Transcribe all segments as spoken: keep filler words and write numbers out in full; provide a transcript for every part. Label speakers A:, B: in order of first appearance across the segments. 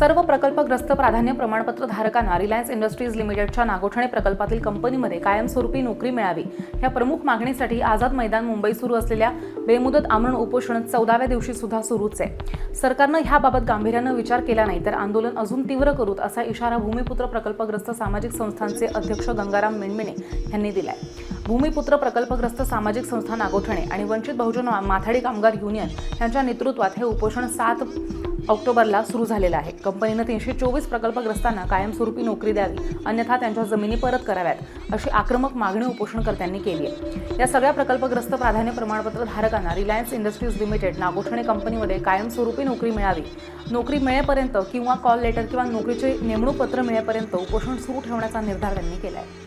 A: सर्व प्रकल्पग्रस्त प्राधान्य प्रमाणपत्र धारकांना रिलायन्स इंडस्ट्रीज लिमिटेडच्या नागोठणे प्रकल्पातील कंपनीमध्ये कायमस्वरूपी नोकरी मिळावी या प्रमुख मागणीसाठी आझाद मैदान मुंबई सुरू असलेल्या बेमुदत आमरण उपोषण चौदाव्या दिवशी सुद्धा सुरूच आहे। सरकारनं ह्याबाबत गांभीर्यानं विचार केला नाही तर आंदोलन अजून तीव्र करूत असा इशारा भूमिपुत्र प्रकल्पग्रस्त सामाजिक संस्थांचे अध्यक्ष गंगाराम मेणमेणे यांनी दिलाय। भूमिपुत्र प्रकल्पग्रस्त सामाजिक संस्था नागोठणे आणि वंचित बहुजन माथाडी कामगार युनियन यांच्या नेतृत्वात हे उपोषण सात ऑक्टोबरला सुरू झालेलं आहे। कंपनीनं तीनशे चोवीस प्रकल्पग्रस्तांना कायमस्वरूपी नोकरी द्यावी अन्यथा त्यांच्या जमिनी परत कराव्यात अशी आक्रमक मागणी उपोषणकर्त्यांनी केली आहे। या सगळ्या प्रकल्पग्रस्त प्राधान्य प्रमाणपत्र धारकांना रिलायन्स इंडस्ट्रीज लिमिटेड नागोठणे कंपनीमध्ये कायमस्वरूपी नोकरी मिळावी, नोकरी मिळेपर्यंत किंवा कॉल लेटर किंवा नोकरीचे नेमणूक पत्र मिळेपर्यंत उपोषण सुरू ठेवण्याचा निर्धार त्यांनी केला आहे।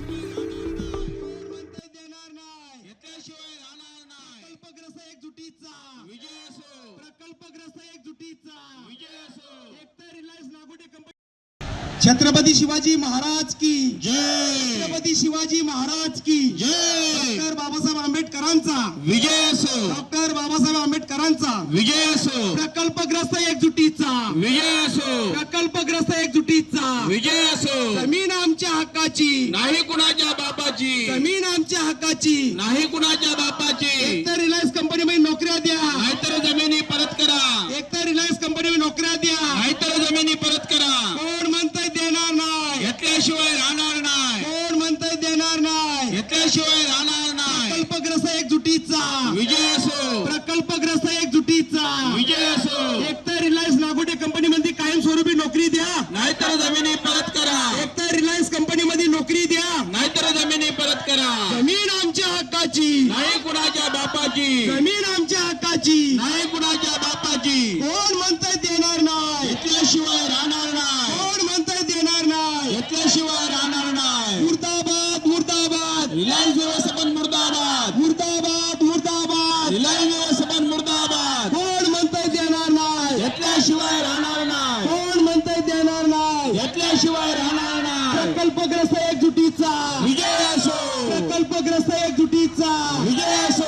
B: छत्रपती शिवाजी महाराज की
C: जय।
B: छत्रपती शिवाजी महाराज की
C: जय।
B: डॉक्टर बाबासाहेब आंबेडकरांचा
C: विजय असो।
B: डॉक्टर बाबासाहेब आंबेडकरांचा
C: विजय असो।
B: प्रकल्पग्रस्त एकजुटीचा
C: विजय असो।
B: प्रकल्पग्रस्त एकजुटीचा
C: विजय असो।
B: जमीन आमच्या हक्काची
C: नाही कुणाच्या बापाची,
B: जमीन आमच्या हक्काची
C: नाही कुणाच्या बापाची।
B: एकतर रिलायन्स कंपनीमध्ये नोकऱ्या द्या,
C: नाहीतर जमिनी परत करा,
B: एकतर रिलायन्स कंपनीमध्ये नोकऱ्या द्या,
C: नाहीतर जमिनी परत करा।
B: कोण म्हणतंय देणार नाही,
C: घेतल्याशिवाय राहणार नाही,
B: कोण म्हणतंय देणार नाही,
C: घेतल्याशिवाय राहणार नाही।
B: प्रकल्पग्रस्त एकजुटीचा
C: विजय असो।
B: प्रकल्पग्रस्त एकजुटीचा
C: विजय असो।
B: एकतर रिलायन्स नागोठणे कंपनीमध्ये कायमस्वरूपी नोकरी द्या,
C: नाहीतर जमिनी परत करा,
B: एकतर रिलायन्स कंपनीमध्ये नोकरी द्या,
C: नाहीतर जमिनी परत करा।
B: जमीन आमच्या हक्काची,
C: नाही कुणाच्या बापाची,
B: जमीन आमच्या हक्काची,
C: नाही कुणाच्या बापाची।
B: कोण म्हणतंय देणार नाही,
C: घेतल्याशिवाय राहणार नाही,
B: कोण म्हणतंय देणार नाही,
C: घेतल्याशिवाय राहणार नाही।
B: मुर्दाबाद मुर्दाबाद
C: रिलायन्स व्यवस्थापन मुर्दाबाद,
B: मुर्दाबाद मुर्दाबाद
C: रिलायन्स व्यवस्थापन मुर्दाबाद।
B: कोण म्हणतंय देणार नाही,
C: घेतल्याशिवाय राहणार नाही,
B: कोण म्हणतंय देणार नाही,
C: घेतल्याशिवाय राहणार नाही।
B: प्रकल्पग्रस्त एकजुटीचा
C: विजय असो।
B: प्रकल्पग्रस्त एकजुटीचा
C: विजय असो।